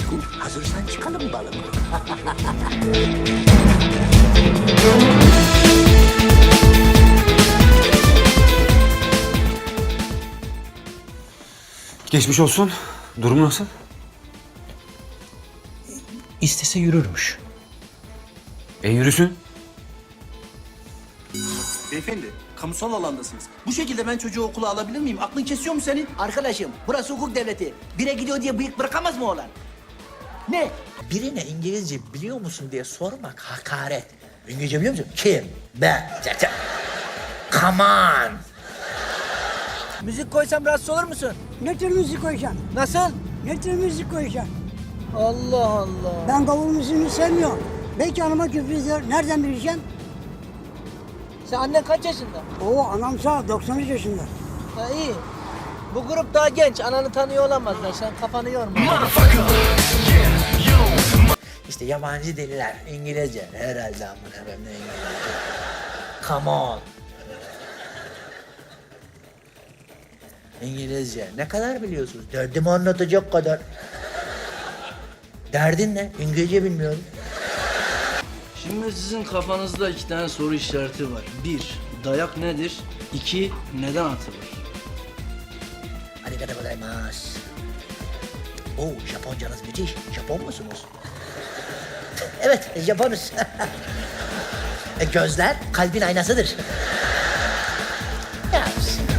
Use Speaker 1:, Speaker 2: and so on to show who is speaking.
Speaker 1: Ciku, hazırsan çıkalım balık.
Speaker 2: Geçmiş olsun. Durum nasıl?
Speaker 1: İstese yürürmüş.
Speaker 2: Yürüsün.
Speaker 3: Beyefendi, kamusal alandasınız. Bu şekilde ben çocuğu okula alabilir miyim? Aklın kesiyor mu senin?
Speaker 4: Arkadaşım burası hukuk devleti. Bire gidiyor diye bıyık bırakamaz mı oğlan? Ne? Birine İngilizce biliyor musun diye sormak hakaret. İngilizce biliyor musun? Kim? Ben. Come on. Müzik koysam rahatsız olur musun?
Speaker 5: Ne tür müzik koyacaksın?
Speaker 4: Nasıl?
Speaker 5: Ne tür müzik koyacaksın?
Speaker 4: Allah Allah.
Speaker 5: Ben gavur müziğini sevmiyorum. Belki anama küfür eder. Nereden bileceğim?
Speaker 4: Sen annen kaç yaşında?
Speaker 5: Oo anam sağ ol, 93 yaşında.
Speaker 4: Ha iyi. Bu grup daha genç. Ananı tanıyor olamazlar. Sen kafanı yorma. İşte yabancı deliler. İngilizce. Herhalde amına koyayım ne İngilizce. Come on. İngilizce. Ne kadar biliyorsunuz? Derdimi anlatacak kadar. Derdin ne? İngilizce bilmiyorum.
Speaker 6: Şimdi sizin kafanızda iki tane soru işareti var. Bir, dayak nedir? İki, neden atılır?
Speaker 4: Arigato gozaimasu. Oo, Japoncanız müthiş. Japon musunuz? Evet, Japonuz. Gözler kalbin aynasıdır. Ya,